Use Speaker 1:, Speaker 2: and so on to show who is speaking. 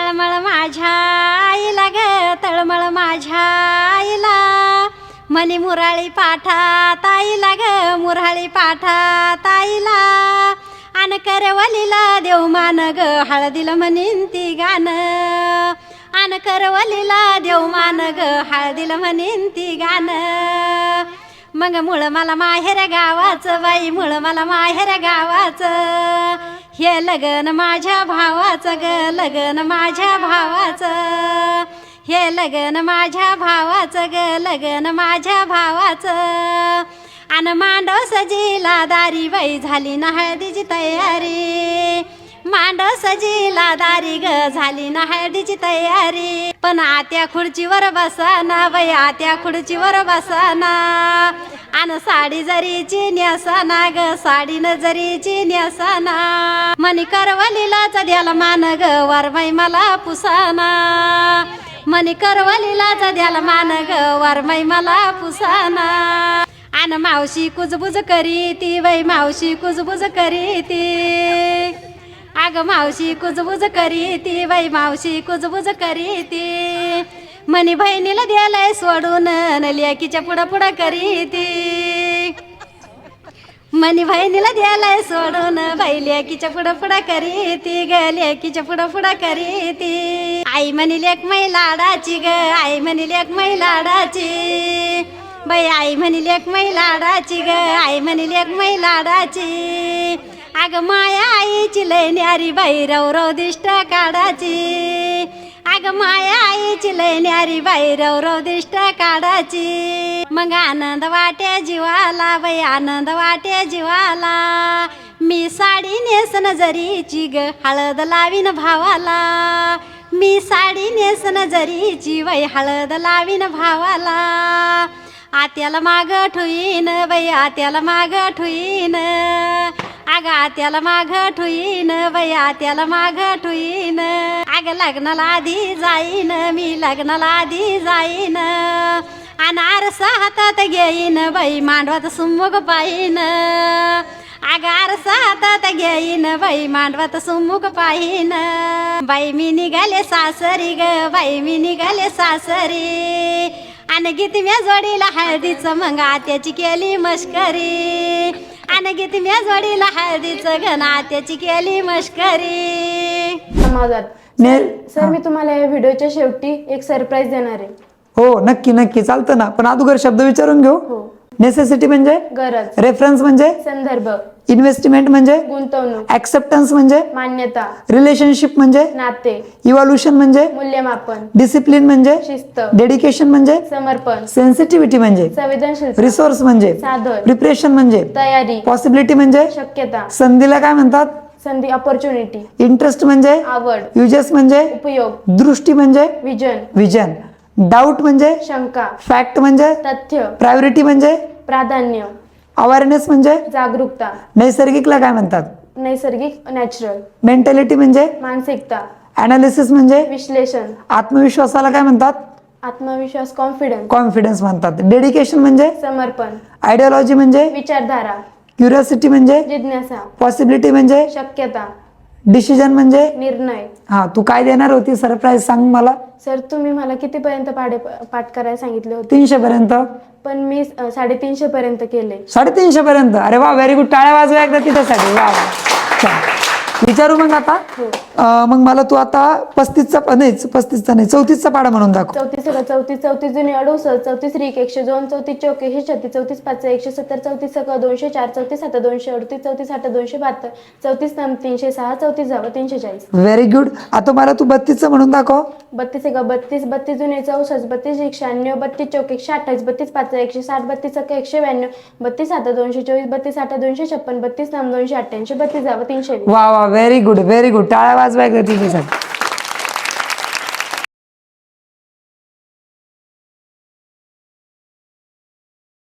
Speaker 1: तळमळ माझ्या आईला ग तळमळ माझ्या आईला मनी मुराळी पाठा ताईला ग मुराळी पाठा ताईला आन करवलीला देव मान ग हळदीला म्हणीन ती गाणं आन करवलीला देव मान ग हळदीला म्हणीन ती गाणं मग मुळ मला माहेर गावाचं बाई मुळ मला माहेर गावाचं हे लगन माझ्या भावाचं ग लगन माझ्या भावाचं हे लगन माझ्या भावाचं ग लगन माझ्या भावाचं आन मांडव सजीला दारी बाई झाली ना हळदीची तयारी मांडव सजीला दारी ग झाली ना हळदीची तयारी पण आत्या खुर्चीवर बसाना बाई आत्या खुर्चीवर बसाना आन साडी जरीची न्यासाना ग साडी न जरीची न्यासाना मनी करवलीलाच द्याला मान ग वरमाई मला पुसाना मनी करवलीलाच द्याला मान ग वरमाई मला पुसाना आन मावशी कुजबुज करी ती बाई मावशी कुजबुज करी ती अग मावशी कुजबुज करी ती बाई मावशी कुजबुज करी ती मनी बहिणीला द्यालाय सोडून लेकीच्या पुढं पुढं करी ती मनी बहिणीला द्यालाय सोडून बाई लेकीच्या पुढं पुढं करी ती ग लेकीच्या पुढं पुढं करी ती आई म्हणी लेक मै लाडाची ग आई म्हणी लेक मै लाडाची बाई आई म्हणी लेक मै लाडाची ग आई म्हणी लेक मै लाडाची अग माया आईची लय न्यारी बाई रव दिष्ट काढाची अग माया आईची लय न्यारी बाई रव दिष्ट काढाची मग आनंद वाटे जीवाला बाई आनंद वाटे जीवाला मी साडी नेसन जरीची ग हळद लावीन भावाला मी साडी नेसन जरीची बाई हळद लावीन भावाला आत्याला माग ठुईन बाई आत्याला माग ठुईन अग आत्याला माग ठुईन बाई आत्याला माग ठुईन अग लग्नाला आधी जाईन मी लग्नाला आधी जाईन आणि आरसा हातात घेईन बाई मांडवात सुमुख पाहीन अग आरसा हातात घेईन बाई मांडवात सुमुख पाहीन बाई मी निघाले सासरी ग बाई मी निघाले सासरी आणि गीत म्या जोडीला हळदीचं मग आत्याची केली मस्करी आणि गीत म्या जोडीला हळदीचं घन आत्याची केली मस्करी
Speaker 2: समाजात सर मी तुम्हाला या व्हिडिओच्या शेवटी एक सरप्राईज देणार आहे.
Speaker 3: हो नक्की नक्की चालतं ना पण अगोदर शब्द विचारून घेऊ.
Speaker 2: हो.
Speaker 3: नेसेसिटी म्हणजे
Speaker 2: गरज,
Speaker 3: रेफरन्स म्हणजे
Speaker 2: संदर्भ,
Speaker 3: इन्व्हेस्टमेंट म्हणजे
Speaker 2: गुंतवणूक,
Speaker 3: ऍक्सेप्टन्स म्हणजे
Speaker 2: मान्यता,
Speaker 3: रिलेशनशिप म्हणजे
Speaker 2: नाते,
Speaker 3: इव्हॉल्युशन म्हणजे
Speaker 2: मूल्यमापन,
Speaker 3: डिसिप्लिन म्हणजे
Speaker 2: शिस्त,
Speaker 3: डेडिकेशन म्हणजे
Speaker 2: समर्पण,
Speaker 3: सेन्सिटिव्हिटी म्हणजे
Speaker 2: संवेदनशीलता,
Speaker 3: रिसोर्स म्हणजे
Speaker 2: साधन,
Speaker 3: प्रिपरेशन म्हणजे
Speaker 2: तयारी,
Speaker 3: पॉसिबिलिटी म्हणजे
Speaker 2: शक्यता,
Speaker 3: संधीला काय म्हणतात
Speaker 2: संधी, अपॉर्च्युनिटी,
Speaker 3: इंटरेस्ट म्हणजे
Speaker 2: आवड,
Speaker 3: युजेस म्हणजे
Speaker 2: उपयोग,
Speaker 3: दृष्टी म्हणजे
Speaker 2: विजन,
Speaker 3: विजन, डाऊट म्हणजे
Speaker 2: शंका,
Speaker 3: फॅक्ट म्हणजे
Speaker 2: तथ्य,
Speaker 3: प्रायोरिटी म्हणजे
Speaker 2: प्राधान्य,
Speaker 3: अवेअरनेस म्हणजे
Speaker 2: जागरूकता,
Speaker 3: नैसर्गिकला काय म्हणतात
Speaker 2: नैसर्गिक, नॅचरल,
Speaker 3: मेंटॅलिटी म्हणजे
Speaker 2: मानसिकता,
Speaker 3: अनालिसिस म्हणजे
Speaker 2: विश्लेषण,
Speaker 3: आत्मविश्वासाला काय म्हणतात
Speaker 2: आत्मविश्वास, कॉन्फिडन्स,
Speaker 3: कॉन्फिडन्स म्हणतात. डेडिकेशन म्हणजे
Speaker 2: समर्पण,
Speaker 3: आयडियोलॉजी म्हणजे
Speaker 2: विचारधारा,
Speaker 3: क्युरियोसिटी म्हणजे
Speaker 2: जिज्ञासा,
Speaker 3: पॉसिबिलिटी म्हणजे
Speaker 2: शक्यता,
Speaker 3: डिसिजन म्हणजे
Speaker 2: निर्णय.
Speaker 3: हा तू काय देणार होती सरप्राईज सांग मला.
Speaker 2: सर तुम्ही मला कितीपर्यंत पाठ करायला सांगितले होते
Speaker 3: 300 पर्यंत.
Speaker 2: पण मी 350 पर्यंत केले.
Speaker 3: 350 पर्यंत. अरे वा व्हेरी गुड. टाळ्या वाजवा एकदा तिच्यासाठी. वा वा. चल. विचारू मग आता. मग मला तू आता 35चा नाही 35चा नाही 34चा पाढा म्हणून दाखव.
Speaker 2: 34 जुने 68 34 रिक 102 34 चौक 136 34 5 170 34 सक 204 34 7 238 34 8 272 34 9 306 34 जावं 340.
Speaker 3: Very good. आता मला तू 32चा म्हणून दाखव.
Speaker 2: 32 एक 32 जुने 64 32 196 32 चौक 128 32 5 160 32 सक 192 32 7 224 32 8 256 32 9 288 32 जावं 320.
Speaker 3: वा वा व्हेरी गुड व्हेरी गुड. टाळ्या वाजवा एकदा तिच्यासाठी.